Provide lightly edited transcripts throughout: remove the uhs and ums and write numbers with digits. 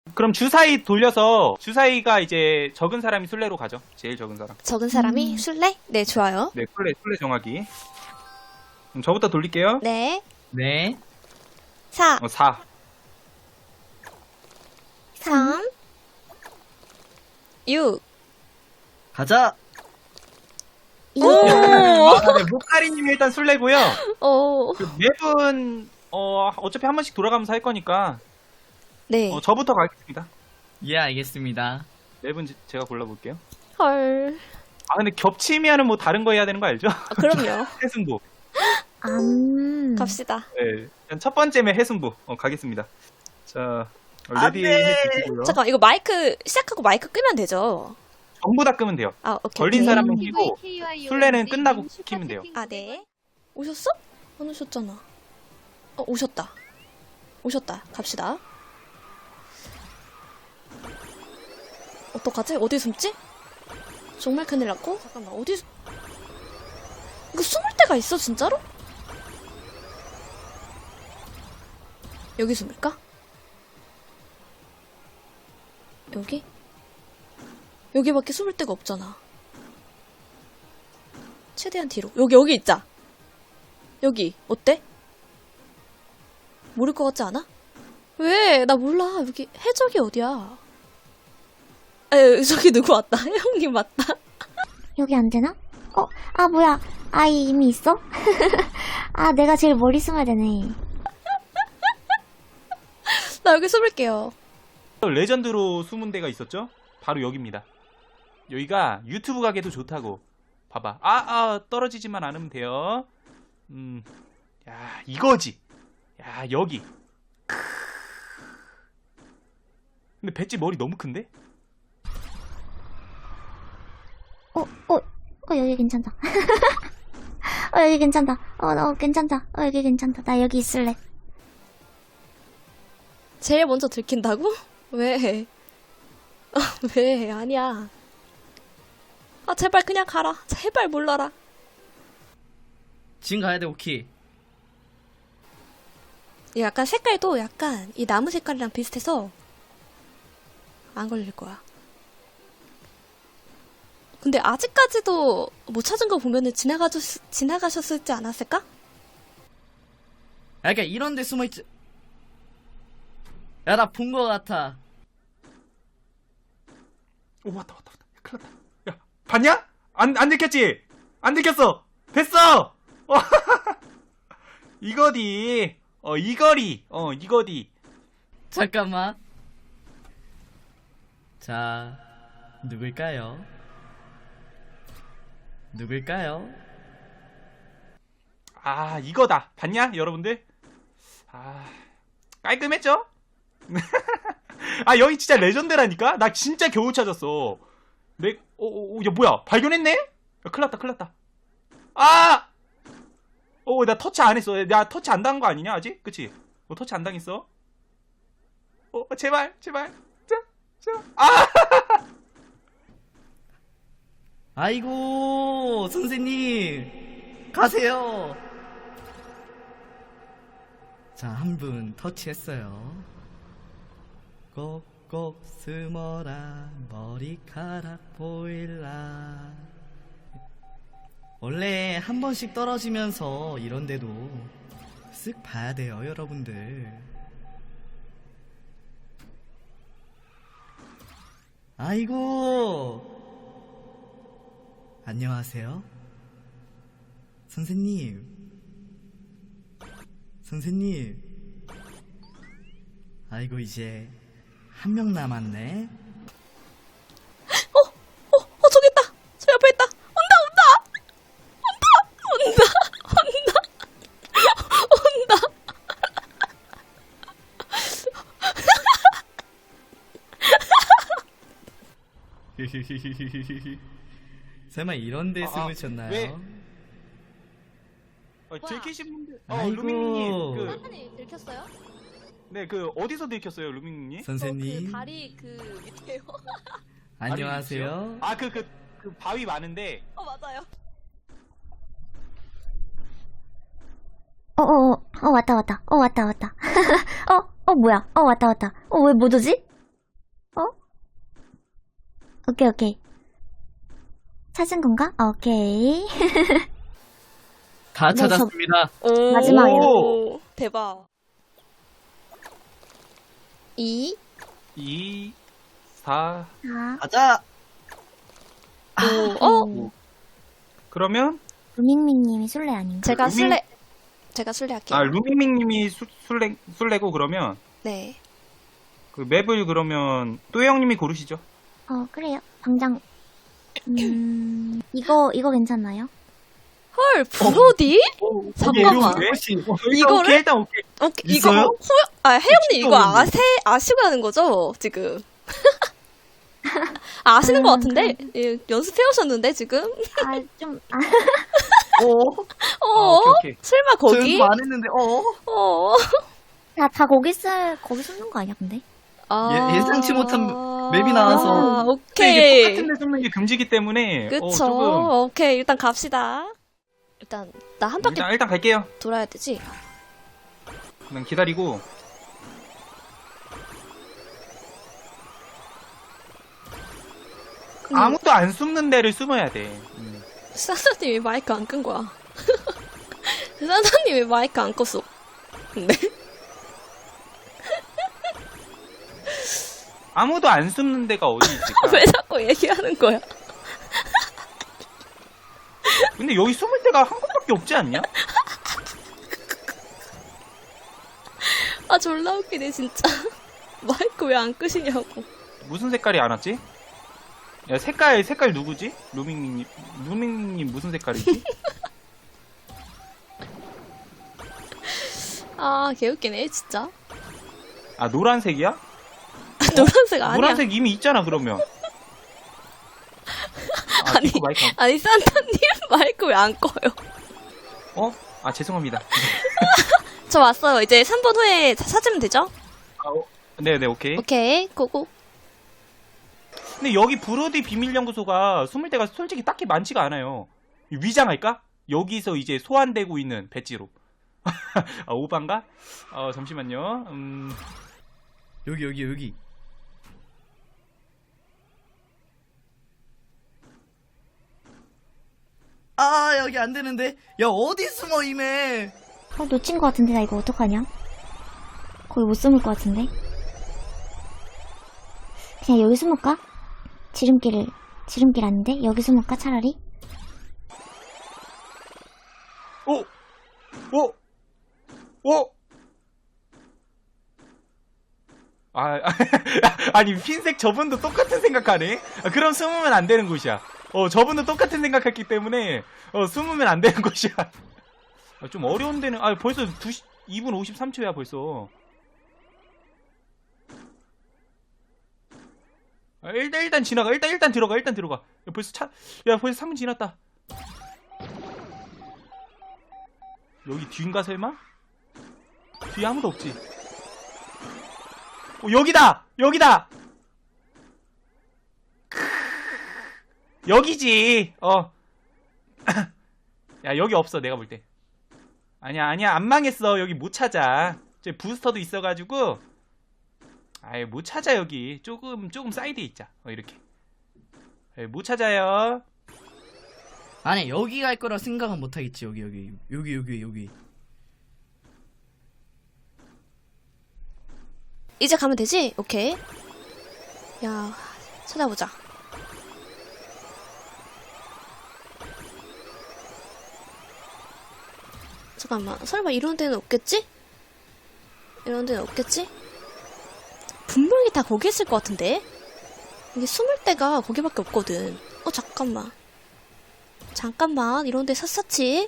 그럼 주사위 돌려서 주사위가 이제 적은 사람이 술래로 가죠. 제일 적은 사람. 적은 사람이 술래? 네, 좋아요. 네, 술래 정하기. 그럼 저부터 돌릴게요. 네. 네. 4, 4. 3, 6. 가자. 오! 아, 네, 목가리님이 일단 술래고요. 오. 그 맵은 어차피 한 번씩 돌아가면서 할 거니까 네. 저부터 가겠습니다. 예, 알겠습니다. 맵은 제가 골라볼게요. 헐. 아 근데 겹치면은 뭐 다른 거 해야 되는 거 알죠? 아, 그럼요. 해승부. 갑시다. 네, 일단 첫 번째 맵 해승부 가겠습니다. 자, 안 레디 돼. 해주시고요. 잠깐만, 이거 마이크, 시작하고 마이크 끄면 되죠? 전부 다 끄면 돼요. 아, 오케이. 걸린 오케이. 사람은 끼고 술래는 끝나고 키면 돼요. 아, 네. 오셨어? 안 오셨잖아. 오셨다. 오셨다. 갑시다. 어떡하지? 어디 숨지? 정말 큰일 났고? 잠깐만, 이거 숨을 데가 있어, 진짜로? 여기 숨을까? 여기? 여기밖에 숨을 데가 없잖아. 최대한 뒤로. 여기 있자. 여기, 어때? 모를 것 같지 않아? 왜? 나 몰라. 여기, 해적이 어디야? 저기 누구 왔다. 형님 왔다. 여기 안 되나? 아, 뭐야. 아이 이미 있어? 아, 내가 제일 멀리 숨어야 되네. 나 여기 숨을게요. 레전드로 숨은 데가 있었죠? 바로 여기입니다. 여기가 유튜브 가게도 좋다고. 봐봐. 떨어지지만 않으면 돼요. 야, 이거지. 야, 여기. 근데 배지 머리 너무 큰데? 여기 괜찮다. 여기 괜찮다. 괜찮다. 여기 괜찮다. 나 여기 있을래. 제일 먼저 들킨다고? 왜? 왜? 아니야. 제발 그냥 가라. 제발 몰라라. 지금 가야 돼, 오키. 이 약간 색깔도 약간 이 나무 색깔이랑 비슷해서 안 걸릴 거야. 근데 아직까지도 못 찾은 거 보면은 지나가셨을지 않았을까? 그러니까 이런 데 숨어있지. 야, 나 본 거 같아. 오, 왔다. 큰일 났다. 야, 봤냐? 안 들켰지? 안 들켰어! 됐어! 이거디. 이거디. 잠깐만. 자, 누굴까요? 아, 이거다. 봤냐, 여러분들? 깔끔했죠? 여기 진짜 레전드라니까? 나 진짜 겨우 찾았어. 야, 뭐야? 발견했네? 야, 큰일 났다. 나 터치 안 했어. 나 터치 안 당한 거 아니냐, 아직? 그치? 터치 안 당했어? 제발. 제발. 아이고, 선생님. 가세요. 자, 한 분 터치했어요. 꼭꼭 숨어라, 머리카락 보일라. 원래 한 번씩 떨어지면서 이런데도 쓱 봐야 돼요, 여러분들. 아이고, 안녕하세요. 선생님. 아이고, 이제 한 명 남았네. 저기 있다. 저 옆에 있다. 온다. 설마 이런 데 숨으셨나요? 왜? 들키신 분들. 아이고. 루밍님. 들켰어요? 네, 어디서 들켰어요, 루밍님? 선생님, 다리 밑에요. 안녕하세요. 그 바위 많은데. 맞아요. 왔다. 왔다. 뭐야. 왔다. 왜 못 오지? 오케이, 오케이. 찾은 건가? 오케이. 다 네, 저- 찾았습니다. 오, 마지막이요. 대박. 2, 2, 4. 자, 가자. 오, 그러면 루밍밍님이 술래 아닌가? 제가 루밍- 술래, 제가 술래 할게요. 아 루밍밍님이 술래고 그러면 네. 그 맵을 그러면 또혜 형님이 고르시죠. 그래요. 당장, 이거 괜찮나요? 헐, 브로디? 잠깐만. 어려운데? 이거를? 오케이, 일단 오케이. 이거, 있어요? 혜영님 진짜 이거 어려운데. 아시고 하는 거죠? 지금. 아시는 것 같은데? 예, 연습해 오셨는데, 지금? 오케이, 오케이. 설마 저 거기? 연습 안 했는데, 어. 다 거기 숨는 거 아니야, 근데? 예상치 못한 맵이 나와서. 근데 이게 오케이. 똑같은 데 숨는 게 금지기 때문에 그쵸. 조금 오케이, 일단 갑시다. 일단, 나 한 바퀴 일단 갈게요. 돌아야 되지? 그냥 기다리고. 아무도 안 숨는 데를 숨어야 돼. 산타님 왜 마이크 안 끈 거야? 산타님 왜 마이크 안 껐어? 근데? 아무도 안 숨는 데가 어디 있을까? 왜 자꾸 얘기하는 거야? 근데 여기 숨을 데가 한 곳밖에 없지 않냐? 아, 졸라 웃기네, 진짜. 마이크 왜 안 끄시냐고. 무슨 색깔이 안 왔지? 야, 색깔 누구지? 루밍님 무슨 색깔이지? 아, 개웃기네, 진짜. 아, 노란색이야? 노란색 아니야. 노란색 이미 있잖아, 그러면. 아, 아니. 디코 마이크 안- 아니, 산타님 마이크 왜 안 꺼요? 어? 아, 죄송합니다. 저 왔어요. 이제 3분 후에 찾으면 되죠? 네네, 오케이. 오케이, 고고. 근데 여기 브로디 비밀연구소가 숨을 데가 솔직히 딱히 많지가 않아요. 위장할까? 여기서 이제 소환되고 있는 배지로. 아, 오반가? 잠시만요. 여기. 아, 여기 안 되는데. 야, 어디 숨어, 이메. 놓친 거 같은데, 나 이거 어떡하냐? 거기 못 숨을 거 같은데? 그냥 여기 숨을까? 지름길 아닌데? 여기 숨을까, 차라리? 오! 오! 오! 아니, 흰색 저분도 똑같은 생각하네? 그럼 숨으면 안 되는 곳이야. 저분도 똑같은 생각했기 때문에, 숨으면 안 되는 곳이야. 좀 어려운 데는, 벌써 2분 53초야, 벌써. 일단 지나가. 일단 들어가. 야, 벌써 벌써 3분 지났다. 여기 뒤인가, 설마? 뒤에 아무도 없지. 여기다! 여기지! 야, 여기 없어, 내가 볼 때. 아니야, 안 망했어. 여기 못 찾아. 저 부스터도 있어가지고. 못 찾아, 여기. 조금 사이드에 있자. 이렇게. 못 찾아요. 아니, 여기 갈 거라 생각은 못 하겠지. 여기. 이제 가면 되지? 오케이. 야, 찾아보자. 잠깐만, 설마 이런 데는 없겠지? 분명히 다 거기 있을 것 같은데? 이게 숨을 데가 거기밖에 없거든. 잠깐만, 이런 데 샅샅이.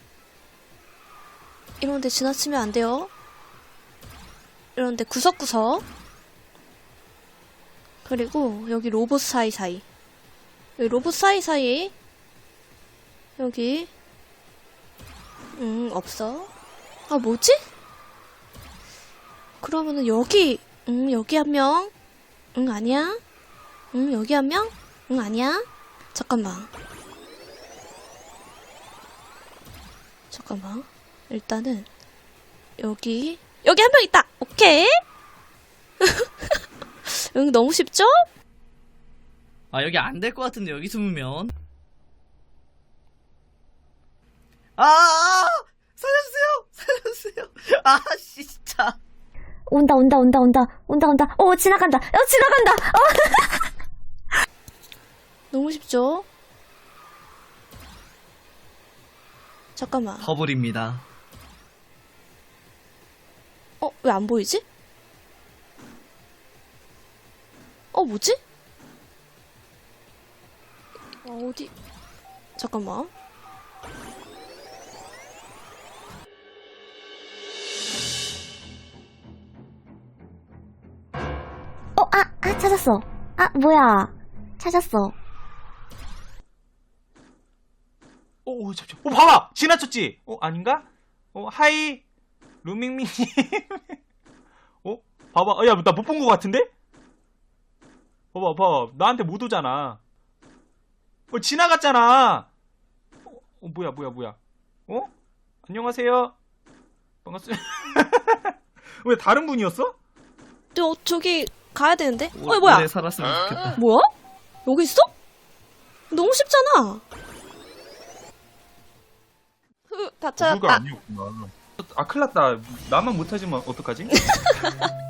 이런 데 지나치면 안 돼요. 이런 데 구석구석. 그리고 여기 로봇 사이사이. 여기 없어. 뭐지? 그러면은 여기 한 명. 아니야. 여기 한 명. 아니야. 잠깐만. 일단은 여기 한 명 있다. 오케이. 응, 너무 쉽죠? 아, 여기 안 될 것 같은데, 여기 숨으면. 아! 살려주세요! 씨, 진짜. 온다. 지나간다. 지나간다. 너무 쉽죠? 잠깐만. 버블입니다. 왜 안 보이지? 뭐지? 어디? 잠깐만. 찾았어. 뭐야. 찾았어. 잠시만. 봐봐! 지나쳤지? 아닌가? 하이, 루밍미님. 봐봐. 야, 나 못 본 것 같은데? 봐봐. 나한테 못 오잖아. 지나갔잖아. 뭐야. 안녕하세요. 반갑습니다. 왜 다른 분이었어? 저기 가야 되는데? 오래 뭐야? 살았으면 좋겠다. 뭐야? 여기 있어? 너무 쉽잖아. 다 누가 아니었구나. 큰일 났다. 나만 못하지만 어떡하지?